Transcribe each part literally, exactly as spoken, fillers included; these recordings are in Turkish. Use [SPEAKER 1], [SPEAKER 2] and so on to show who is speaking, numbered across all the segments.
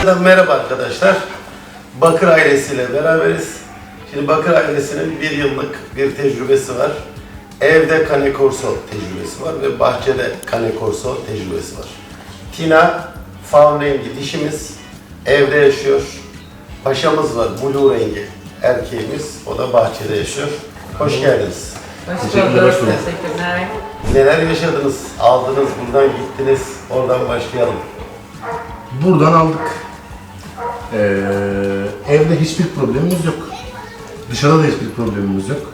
[SPEAKER 1] Merhaba arkadaşlar. Bakır ailesiyle beraberiz. Şimdi Bakır ailesinin bir yıllık bir tecrübesi var. Evde Cane Corso tecrübesi var ve bahçede Cane Corso tecrübesi var. Tina, faun rengi dişimiz, evde yaşıyor. Paşamız var, blue rengi erkeğimiz, o da bahçede yaşıyor. Hoş geldiniz.
[SPEAKER 2] Hoş
[SPEAKER 3] Teşekkürler,
[SPEAKER 2] bulduk.
[SPEAKER 3] hoş bulduk.
[SPEAKER 2] Teşekkürler.
[SPEAKER 1] Neler yaşadınız, aldınız, buradan gittiniz, oradan başlayalım.
[SPEAKER 3] Buradan aldık. Ee, evde hiçbir problemimiz yok. Dışarıda da hiçbir problemimiz yok.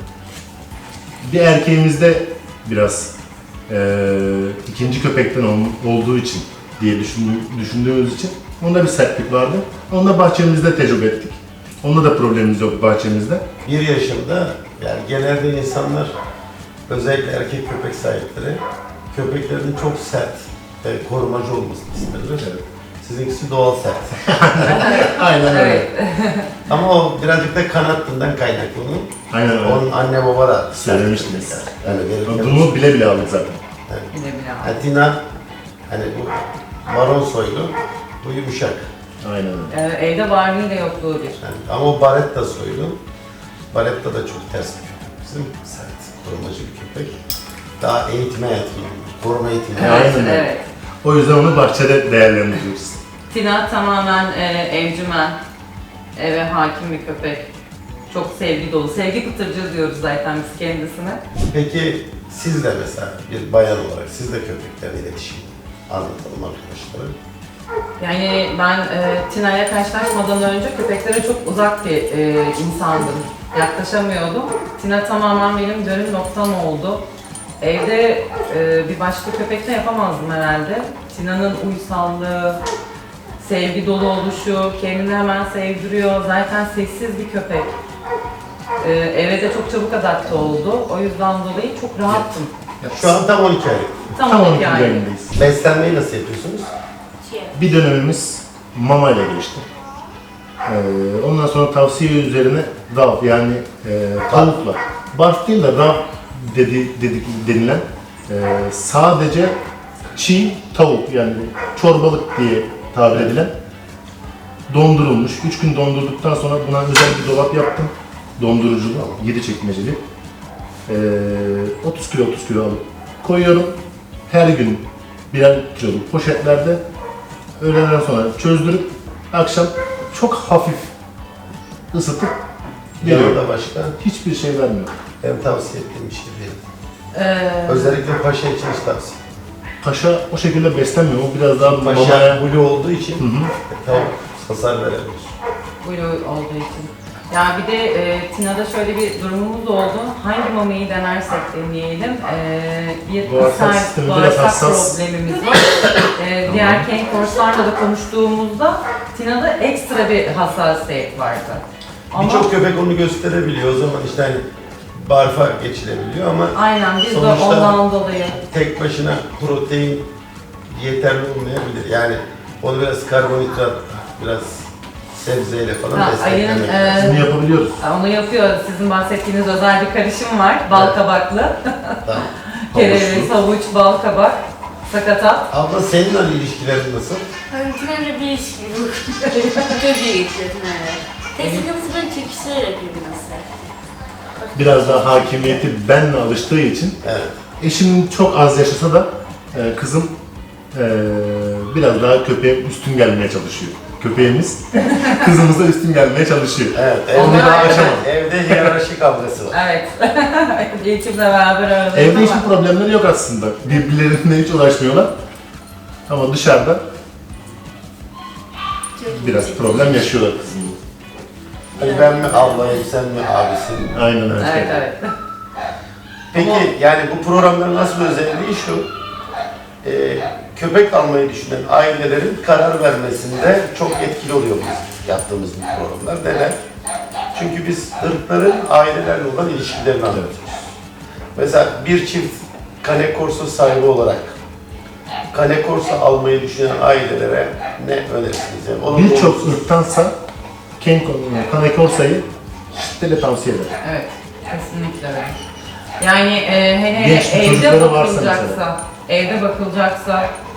[SPEAKER 3] Bir erkeğimizde biraz ee, ikinci köpekten ol- olduğu için diye düşündüğü- düşündüğümüz için onda bir sertlik vardı. Onu da bahçemizde tecrübe ettik. Onda da problemimiz yok bahçemizde.
[SPEAKER 1] Bir yaşında, yani genelde insanlar, özellikle erkek köpek sahipleri, köpeklerinin çok sert ve korumacı olmasını isterler.
[SPEAKER 3] Evet.
[SPEAKER 1] Sizinkisi doğal sert.
[SPEAKER 3] Aynen öyle.
[SPEAKER 2] Evet.
[SPEAKER 1] Ama o birazcık da kanattından kaynaklı onun.
[SPEAKER 3] Aynen öyle.
[SPEAKER 1] Onun anne baba da sert
[SPEAKER 3] Söylemiştiniz.
[SPEAKER 1] köpekler. Yani verirken-
[SPEAKER 3] Bunu bile bile aldık zaten.
[SPEAKER 2] Bile bile var.
[SPEAKER 1] Yani Tina, hani bu maron soylu, bu yumuşak.
[SPEAKER 3] Aynen öyle.
[SPEAKER 2] Ee, evde varlığıyla yokluğu bir.
[SPEAKER 1] Yani, ama o Baretta soylu. Baretta da çok ters bir köpek bizim. Sert, korumacı bir köpek. Daha eğitime yatkın, koruma eğitime
[SPEAKER 3] Aynen
[SPEAKER 2] Evet,
[SPEAKER 3] öyle.
[SPEAKER 2] evet.
[SPEAKER 3] O yüzden onu bahçede değerlendiriyoruz.
[SPEAKER 2] Tina tamamen e, evcimen, eve hakim bir köpek. Çok sevgi dolu. Sevgi pıtırcığı diyoruz zaten biz kendisine.
[SPEAKER 1] Peki siz de mesela bir bayan olarak siz de köpeklerle iletişim anlatalım arkadaşlara.
[SPEAKER 2] Yani ben e, Tina'ya karşılaşmadan önce köpeklere çok uzak bir e, insandım. Yaklaşamıyordum. Tina tamamen benim dönüm noktam oldu. Evde e, bir başka köpekle yapamazdım herhalde. Tina'nın uysallığı, sevgi dolu oluşu, kendini hemen sevdiriyor. Zaten sessiz bir köpek. E, eve de çok çabuk adapte oldu. O yüzden dolayı çok rahattım.
[SPEAKER 1] Şu an tam on iki aylık.
[SPEAKER 2] Tam,
[SPEAKER 3] Tam
[SPEAKER 2] on
[SPEAKER 3] on
[SPEAKER 2] iki
[SPEAKER 3] iki
[SPEAKER 2] aylık.
[SPEAKER 3] ayındayız.
[SPEAKER 1] Beslenmeyi nasıl yapıyorsunuz?
[SPEAKER 3] Bir dönemimiz mama ile geçti. Ee, ondan sonra tavsiye üzerine rav yani e, tavukla. Barf değil de rav dedi, dedik, denilen e, sadece çiğ tavuk yani çorbalık diye tabir edilen dondurulmuş. üç gün dondurduktan sonra buna özel bir dolap yaptım. Donduruculu, yedi çekmeceli. Ee, otuz kilo otuz kilo alıp koyuyorum. Her gün birer kiloluk poşetlerde öğleden sonra çözdürüp akşam çok hafif ısıtıp veriyorum.
[SPEAKER 1] Yanında başka
[SPEAKER 3] Hiçbir şey vermiyor.
[SPEAKER 1] hem tavsiye ettiğim bir şey değil.
[SPEAKER 2] Ee,
[SPEAKER 1] Özellikle paşa için hiç tavsiye.
[SPEAKER 3] Paşa o şekilde beslenmiyor. O biraz daha
[SPEAKER 1] Paşa
[SPEAKER 3] mamaya...
[SPEAKER 1] blue olduğu için
[SPEAKER 3] Hı hı.
[SPEAKER 1] tavuk hasar verebilir.
[SPEAKER 2] Blue olduğu için. Ya bir de e, Tina'da şöyle bir durumumuz oldu. Hangi mamayı denersek deneyelim. E, bir
[SPEAKER 3] Bağırsak
[SPEAKER 2] ishal,
[SPEAKER 3] sistemi biraz
[SPEAKER 2] bağırsak
[SPEAKER 3] hassas.
[SPEAKER 2] problemimiz var. E, diğer Cane Corso'larla da konuştuğumuzda Tina'da ekstra bir hassasiyet vardı. Ama
[SPEAKER 1] Birçok köpek onu gösterebiliyor. O zaman işte hani barfa geçilebiliyor ama
[SPEAKER 2] aynen biz de
[SPEAKER 1] sonuçta
[SPEAKER 2] ondan dolayı.
[SPEAKER 1] tek başına protein yeterli olmayabilir. Yani onu biraz karbonhidrat, biraz sebzeyle falan
[SPEAKER 2] Ha,
[SPEAKER 1] desteklemek
[SPEAKER 2] ayın,
[SPEAKER 1] lazım.
[SPEAKER 2] e,
[SPEAKER 3] Bunu yapabiliyoruz.
[SPEAKER 2] Onu yapıyor. Sizin bahsettiğiniz özel bir karışım var. Bal
[SPEAKER 1] Evet.
[SPEAKER 2] kabaklı.
[SPEAKER 1] Tamam.
[SPEAKER 2] Kereviz, havuç, bal kabak, sakatat.
[SPEAKER 1] Abla senin hani ilişkilerin nasıl?
[SPEAKER 4] Öğretmenle bir ilişki bu. Çok iyi geçiyor Tina'yla. Tek sıkıntısı beni çekiştirerek yapması.
[SPEAKER 3] Biraz daha hakimiyeti benle alıştığı için
[SPEAKER 1] Evet.
[SPEAKER 3] eşim çok az yaşasa da e, kızım e, biraz daha köpeğe üstün gelmeye çalışıyor. Köpeğimiz kızımıza üstün gelmeye çalışıyor.
[SPEAKER 1] Evet.
[SPEAKER 2] Onlar
[SPEAKER 1] Evde,
[SPEAKER 2] ayrı.
[SPEAKER 1] evde hiyerarşi kavgası var.
[SPEAKER 2] Evet. Eğitimle beraber aradayız
[SPEAKER 3] Evde
[SPEAKER 2] ama
[SPEAKER 3] hiçbir problemleri yok aslında. Birbirlerine hiç uğraşmıyorlar. Ama dışarıda
[SPEAKER 4] Çok
[SPEAKER 3] biraz
[SPEAKER 4] iyi.
[SPEAKER 3] problem yaşıyorlar kızımla.
[SPEAKER 1] Hani ben mi ablayım, sen mi abisin?
[SPEAKER 3] Aynen öyle.
[SPEAKER 2] Evet, evet.
[SPEAKER 1] Peki yani bu programların nasıl bir özelliği şu, e, köpek almayı düşünen ailelerin karar vermesinde çok etkili oluyor biz yaptığımız bu programlar. Neden? Çünkü biz ırkların ailelerle olan ilişkilerini anlatıyoruz. Mesela bir çift Cane Corso sahibi olarak Cane Corso almayı düşünen ailelere ne önerirsiniz? Yani onun
[SPEAKER 3] Birçok
[SPEAKER 1] doğrusu-
[SPEAKER 3] ırktansa Cane Cane Corso'yu şiddetle tavsiye ederim.
[SPEAKER 2] Evet, kesinlikle öyle. Yani e, hele hele
[SPEAKER 3] Genç
[SPEAKER 2] evde
[SPEAKER 3] çocukları varsa
[SPEAKER 2] bakılacaksa,
[SPEAKER 3] mesela.
[SPEAKER 2] evde bakılacaksa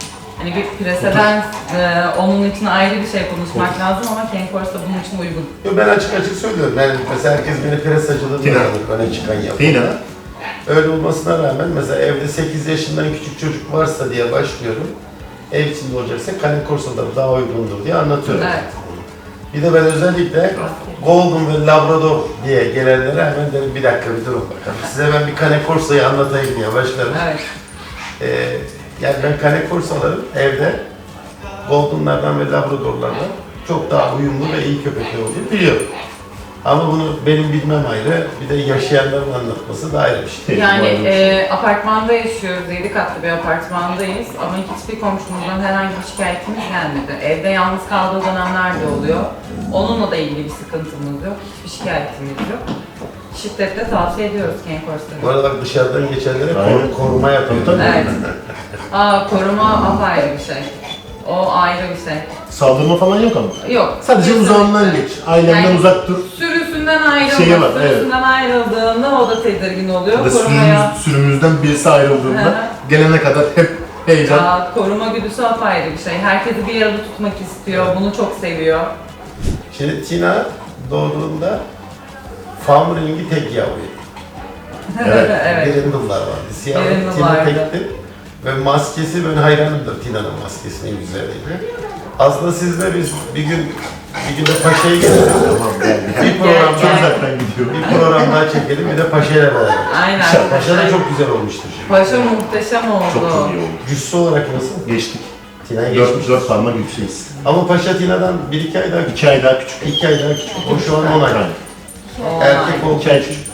[SPEAKER 2] Hani bir preseden e, onun için ayrı bir şey konuşmak lazım ama Ken Corso bunun için uygun.
[SPEAKER 1] Yo, ben açık açık söylüyorum. Yani mesela herkes beni pres acılı
[SPEAKER 3] Tina.
[SPEAKER 1] diyor, öne çıkan yapıyor.
[SPEAKER 3] Tina.
[SPEAKER 1] Öyle olmasına rağmen mesela evde sekiz yaşından küçük çocuk varsa diye başlıyorum. Ev içinde olacaksa Cane Corso'da daha uygundur diye anlatıyorum.
[SPEAKER 2] Evet.
[SPEAKER 1] Bir de ben özellikle Golden ve Labrador diye gelenlere hemen derim bir dakika bir durun bakalım. Size ben bir Cane Corso'yu anlatayım diye başlarım.
[SPEAKER 2] Evet.
[SPEAKER 1] Ee, yani ben Cane Corso'ların evde Golden'lardan ve Labrador'lardan çok daha uyumlu ve iyi köpekler olduğunu biliyorum. Ama bunu benim bilmem ayrı, bir de yaşayanların anlatması da ayrı bir şey.
[SPEAKER 2] Yani e, apartmanda yaşıyoruz, yedi katlı bir apartmandayız ama hiçbir komşumuzdan herhangi bir şikayetimiz gelmedi. Evde yalnız kaldığı dönemler de oluyor. Onunla da ilgili bir sıkıntımız yok, hiçbir şikayetimiz yok. Şiddetle tavsiye ediyoruz Ken
[SPEAKER 1] Bu
[SPEAKER 2] Corso'yu.
[SPEAKER 1] arada bak dışarıdan geçenlere
[SPEAKER 3] Aynen.
[SPEAKER 1] koru- koruma yapıyor.
[SPEAKER 3] Tabii, tabii.
[SPEAKER 2] Evet. Aa, koruma apayrı bir şey. O ayrı bir şey.
[SPEAKER 3] Saldırma falan yok ama.
[SPEAKER 2] Yok.
[SPEAKER 3] Sadece
[SPEAKER 2] kesinlikle.
[SPEAKER 3] uzağından geç. Ailenden
[SPEAKER 2] Yani
[SPEAKER 3] uzak dur.
[SPEAKER 2] Sürüsünden ayrılma,
[SPEAKER 3] Şeyi var, evet.
[SPEAKER 2] sürüsünden ayrıldığında o da tedirgin oluyor.
[SPEAKER 3] Ya da
[SPEAKER 2] Korumaya,
[SPEAKER 3] sürümüz, sürümüzden birisi
[SPEAKER 2] Hı
[SPEAKER 3] ayrıldığında
[SPEAKER 2] hı.
[SPEAKER 3] gelene kadar hep heyecan.
[SPEAKER 2] ya, koruma güdüsü apayrı bir şey. Herkesi bir arada tutmak istiyor, bunu çok seviyor.
[SPEAKER 1] Şimdi Tina doğduğunda Farm Ring'i tek yavruydu.
[SPEAKER 3] Evet.
[SPEAKER 2] Evet.
[SPEAKER 1] Brindle'lar vardı. Siyah
[SPEAKER 2] Brindle
[SPEAKER 1] Tina
[SPEAKER 2] vardı.
[SPEAKER 1] tekti. Ve maskesi, ben hayranımdır Tina'nın maskesinin güzelliğine. Aslında sizle biz bir gün bir gün de Paşa'ya gelelim.
[SPEAKER 3] Tamam gel.
[SPEAKER 1] Bir program
[SPEAKER 3] Çok
[SPEAKER 2] Gel.
[SPEAKER 3] uzaktan gidiyor.
[SPEAKER 1] bir program daha çekelim, bir de Paşa'yla beraber.
[SPEAKER 2] Aynen.
[SPEAKER 1] Paşa da çok güzel olmuştur şimdi.
[SPEAKER 2] Paşa muhteşem oldu.
[SPEAKER 3] Çok çok iyi oldu.
[SPEAKER 1] Cüssü olarak nasıl?
[SPEAKER 3] Geçtik.
[SPEAKER 1] Tina'ya
[SPEAKER 3] Dört,
[SPEAKER 1] geçmiş.
[SPEAKER 3] dört parmak yükseğiz.
[SPEAKER 1] Ama Paşa Tina'dan bir iki ay daha küçük.
[SPEAKER 3] İki ay daha küçük.
[SPEAKER 1] İki ay daha küçük. O şu an on ay.
[SPEAKER 3] Yani.
[SPEAKER 2] Oo,
[SPEAKER 1] Erkek olduğu
[SPEAKER 3] İki ay
[SPEAKER 1] için.
[SPEAKER 3] küçük.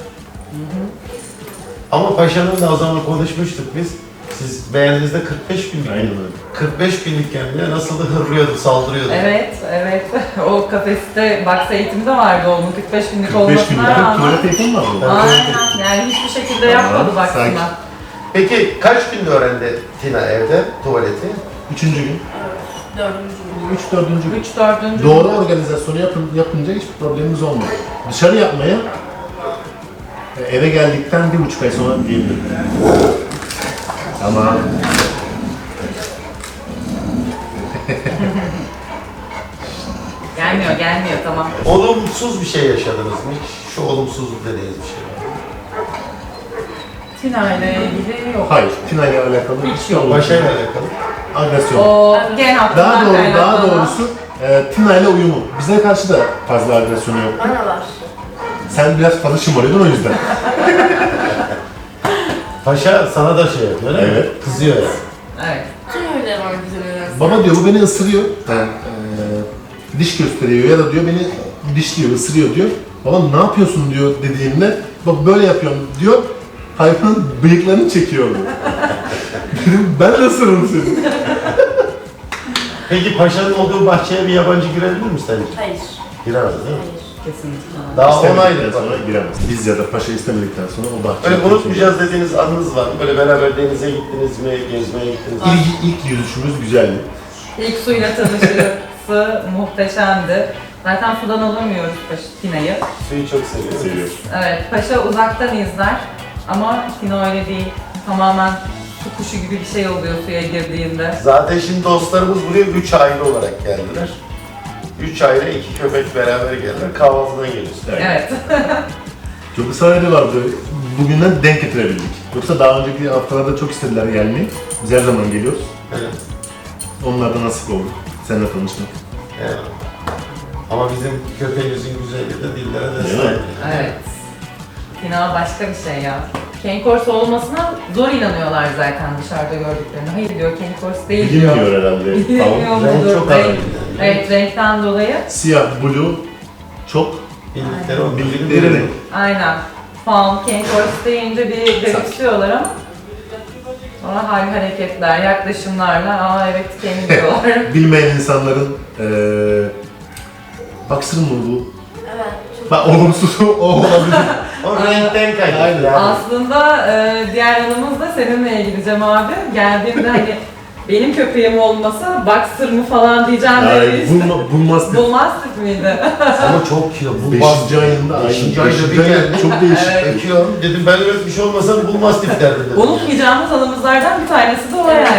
[SPEAKER 1] Ama Paşa'nın da o zaman konuşmuştuk biz. Siz beğendiğinizde kırk beş binlik.
[SPEAKER 3] Aynen öyle.
[SPEAKER 1] kırk beş binlikken bile nasıl da hırlıyordu, saldırıyordu.
[SPEAKER 2] Evet, evet. O kafeste box eğitimi de vardı onun kırk beş günlük
[SPEAKER 3] kırk beş
[SPEAKER 2] olmasına
[SPEAKER 3] günlük
[SPEAKER 2] rağmen.
[SPEAKER 3] tuvalet eğitimi var mı?
[SPEAKER 2] Aynen, yani hiçbir şekilde yapmadı
[SPEAKER 3] Tamam,
[SPEAKER 2] baksana.
[SPEAKER 3] sakin.
[SPEAKER 1] Peki kaç günde öğrendi Tina evde tuvaleti?
[SPEAKER 3] Üçüncü gün.
[SPEAKER 4] Dördüncü gün.
[SPEAKER 3] Üç, dördüncü gün.
[SPEAKER 2] üç dördüncü
[SPEAKER 3] Doğru organizasyonu yapın, yapınca hiçbir problemimiz olmuyor. Dışarı yapmaya e, eve geldikten bir buçuk ay sonra diyebilirim. Ama
[SPEAKER 2] Gelmiyor, gelmiyor, tamam.
[SPEAKER 1] Olumsuz bir şey yaşadınız mı hiç? Şu olumsuzluk dediğiniz bir şey var.
[SPEAKER 2] Tina ile ilgili yok.
[SPEAKER 3] hayır, Tina ile alakalı
[SPEAKER 2] Hiç yok.
[SPEAKER 1] Paşa'yla alakalı.
[SPEAKER 3] agresyon.
[SPEAKER 2] O gen hattından
[SPEAKER 3] Daha doğru, daha
[SPEAKER 2] kaynaklanan-
[SPEAKER 3] doğrusu e, Tina ile uyumu. Bize karşı da fazla agresyonu yok.
[SPEAKER 4] Bana var.
[SPEAKER 3] Sen biraz fazla şımarıyordun o yüzden.
[SPEAKER 1] Paşa sana da şey yapıyor değil mi?
[SPEAKER 3] Evet.
[SPEAKER 1] Kızıyor yani.
[SPEAKER 2] Evet.
[SPEAKER 4] Tüm öyle var bize nedense.
[SPEAKER 3] Baba diyor bu beni ısırıyor. Ben e, diş gösteriyor ya da diyor beni dişliyor, ısırıyor diyor. Baba ne yapıyorsun diyor dediğimde bak böyle yapıyorum diyor. Hayvanın bıyıklarını çekiyor. Dedim ben de ısırırım seni.
[SPEAKER 1] Peki Paşa'nın olduğu bahçeye bir yabancı girebilir mi sence?
[SPEAKER 4] Hayır.
[SPEAKER 1] Giremez değil mi?
[SPEAKER 4] Hayır.
[SPEAKER 2] Kesinlikle.
[SPEAKER 1] Daha on
[SPEAKER 3] İstemedikten
[SPEAKER 1] aydır bak.
[SPEAKER 3] sonra giremez. Biz ya da paşa istemedikten sonra o bahçeye...
[SPEAKER 1] Öyle unutmayacağız dediğiniz anınız var mı? Böyle beraber denize gittiniz mi, gezmeye gittiniz mi?
[SPEAKER 3] İlk, ilk yüzüşümüz güzeldi.
[SPEAKER 2] İlk suyla tanışması muhteşemdi. Zaten sudan alamıyoruz Paşa- Tina'yı.
[SPEAKER 1] Suyu çok seviyorum.
[SPEAKER 3] Seviyoruz.
[SPEAKER 2] Evet, Paşa uzaktan izler ama Tina öyle değil. Tamamen su kuşu gibi bir şey oluyor suya girdiğinde.
[SPEAKER 1] Zaten şimdi dostlarımız buraya üç aile olarak geldiler. Üç aile, iki köpek beraber geldiler. Kahvaltıdan geliyoruz.
[SPEAKER 2] Evet.
[SPEAKER 3] Çok ısrar ediyorlardı. Bugünden denk getirebildik. Yoksa daha önceki haftalarda çok istediler gelmeyi. Biz her zaman geliyoruz.
[SPEAKER 1] Evet.
[SPEAKER 3] Onlar da nasip oldu. Seninle tanışmak.
[SPEAKER 1] Evet. Ama bizim köpeğimizin güzelliği de dillere
[SPEAKER 3] Değil
[SPEAKER 1] destek.
[SPEAKER 3] mi?
[SPEAKER 2] Evet. Tina başka bir şey ya. Ken Corso olmasına zor inanıyorlar zaten dışarıda gördüklerine. Hayır diyor, Ken Corso değil diyor.
[SPEAKER 3] Bilmiyor herhalde.
[SPEAKER 2] Bilmiyor
[SPEAKER 3] Tamam.
[SPEAKER 1] Renk
[SPEAKER 2] mudur?
[SPEAKER 1] çok
[SPEAKER 2] Renk-
[SPEAKER 1] önemli.
[SPEAKER 2] Evet, renkten dolayı.
[SPEAKER 3] Siyah, blue çok
[SPEAKER 1] Bildikleri o
[SPEAKER 3] bildikleri
[SPEAKER 1] bildikleri
[SPEAKER 3] renk.
[SPEAKER 2] Aynen. Fawn, Ken Corso deyince bir garipsiyorlar ama sonra hal hareketler, yaklaşımlarla aa evet Ken diyorlar.
[SPEAKER 3] Bilmeyen insanların eee baksın mı bu?
[SPEAKER 4] Evet. Çok
[SPEAKER 3] Bak olumsuzu o olabilir.
[SPEAKER 1] O renkten kaynaklı
[SPEAKER 3] Aynen.
[SPEAKER 1] yani.
[SPEAKER 2] Aslında e, diğer yanımız da seninle ilgili Cem abi. Geldiğimde hani benim köpeğim olmasa boxer mı falan diyeceğim
[SPEAKER 3] Yani
[SPEAKER 2] dedi işte.
[SPEAKER 3] bulma, bulmaz dedi.
[SPEAKER 2] Bulmazdık mıydı?
[SPEAKER 1] Ama çok kilo. Bu
[SPEAKER 3] Beşinci ayında,
[SPEAKER 1] Beşinci
[SPEAKER 3] ayın
[SPEAKER 1] ayda bir
[SPEAKER 3] beşinci ayında
[SPEAKER 1] geldi.
[SPEAKER 3] çok değişik.
[SPEAKER 2] Evet.
[SPEAKER 1] Öpüyorum. Dedim ben öyle bir şey olmasa bulmaz tip derdim. dedim.
[SPEAKER 2] Unutmayacağımız anımızlardan bir tanesi de o yani.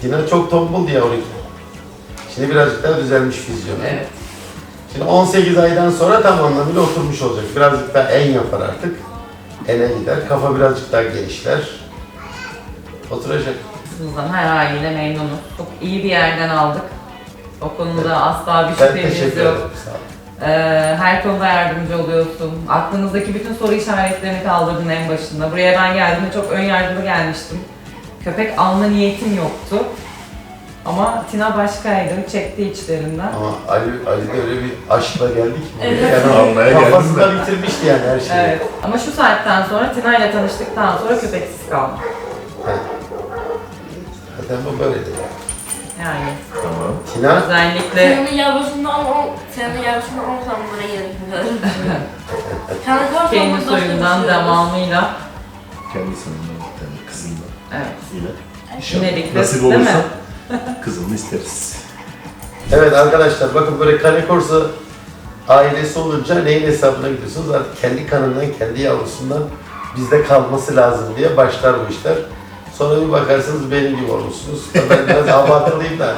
[SPEAKER 1] Tina çok tombuldu yavruyken. Şimdi birazcık daha düzelmiş fizyonu.
[SPEAKER 2] Evet.
[SPEAKER 1] Şimdi on sekiz aydan sonra tam anlamıyla oturmuş olacak. Birazcık daha en yapar artık. Ene gider. Kafa birazcık daha genişler. Oturacak.
[SPEAKER 2] Kızımızdan her haliyle memnunuz. Çok iyi bir yerden aldık. O konuda
[SPEAKER 1] Evet.
[SPEAKER 2] asla bir
[SPEAKER 1] Ben
[SPEAKER 2] şüphemiz
[SPEAKER 1] teşekkür
[SPEAKER 2] yok.
[SPEAKER 1] ederim. Sağ ol.
[SPEAKER 2] Ee, her konuda yardımcı oluyorsun. Aklınızdaki bütün soru işaretlerini kaldırdın en başında. Buraya ben geldiğimde çok ön yargılı gelmiştim. Köpek alma niyetim yoktu. Ama Tina başkaydı, çekti içlerinden.
[SPEAKER 1] Ama Ali, Ali de öyle bir aşkla geldik mi?
[SPEAKER 4] Evet.
[SPEAKER 1] Yani
[SPEAKER 3] Almaya geldim
[SPEAKER 1] kafasında bitirmişti yani her şeyi.
[SPEAKER 2] Evet. Ama şu saatten sonra Tina ile tanıştıktan sonra köpeksiz kaldım.
[SPEAKER 1] Evet. Zaten bu böyledir yani.
[SPEAKER 2] Yani
[SPEAKER 3] Tamam.
[SPEAKER 1] Tina,
[SPEAKER 2] özellikle
[SPEAKER 4] Senin yavrusundan on, senin yavrusundan on tane buraya gerekmiyor. Kendi kartı
[SPEAKER 2] kendi
[SPEAKER 4] olmak
[SPEAKER 2] soyundan devamıyla.
[SPEAKER 3] Kendi sanımdan bir tane kızımdan.
[SPEAKER 2] Evet.
[SPEAKER 3] Yine.
[SPEAKER 2] İnedikli,
[SPEAKER 3] Nasip
[SPEAKER 2] değil mi?
[SPEAKER 3] olursa kızımı isteriz.
[SPEAKER 1] evet arkadaşlar bakın böyle Cane Corso ailesi olunca neyin hesabına gidiyorsunuz? Artık kendi kanından, kendi yavrusundan bizde kalması lazım diye başlar bu işler. Sonra bir bakarsınız benim gibi olmuşsunuz. Ben biraz abartılıyım da.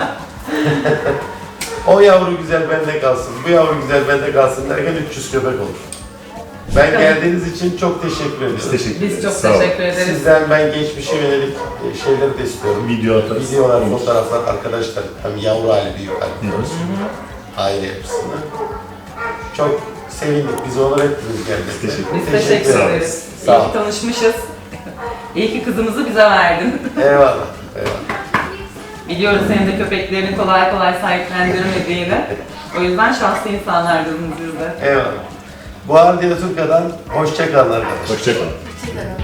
[SPEAKER 1] O yavru güzel bende kalsın, bu yavru güzel bende kalsın derken üç yüz köpek olur. Ben geldiğiniz için çok teşekkür ediyorum.
[SPEAKER 3] Biz teşekkür ederiz.
[SPEAKER 2] Biz çok
[SPEAKER 3] Sağ olun.
[SPEAKER 2] teşekkür ederiz.
[SPEAKER 1] Sizden ben geçmişe yönelik e, şeyleri de istiyorum.
[SPEAKER 3] Video atarız.
[SPEAKER 1] Videolar, fotoğraflar arkadaşlar hem yavru hali büyük hali diyoruz. Aile yapısını. Çok sevindik. Biz onur ettiniz gelmekte.
[SPEAKER 3] Teşekkür
[SPEAKER 2] Biz
[SPEAKER 1] Teşekkür
[SPEAKER 2] teşekkür
[SPEAKER 3] ederiz.
[SPEAKER 2] ederiz.
[SPEAKER 1] Sağ
[SPEAKER 2] İyi
[SPEAKER 1] ol.
[SPEAKER 2] ki tanışmışız. İyi ki kızımızı bize verdin.
[SPEAKER 1] Eyvallah. Eyvallah.
[SPEAKER 2] Biliyoruz senin de köpeklerini kolay kolay sahiplendirmediğini. O yüzden şanslı insanlardınız biz de.
[SPEAKER 1] Eyvallah. Bu Ardiya Turka'dan hoşça kalın arkadaşlar.
[SPEAKER 3] Hoşçakalın.
[SPEAKER 4] Hoşçakalın.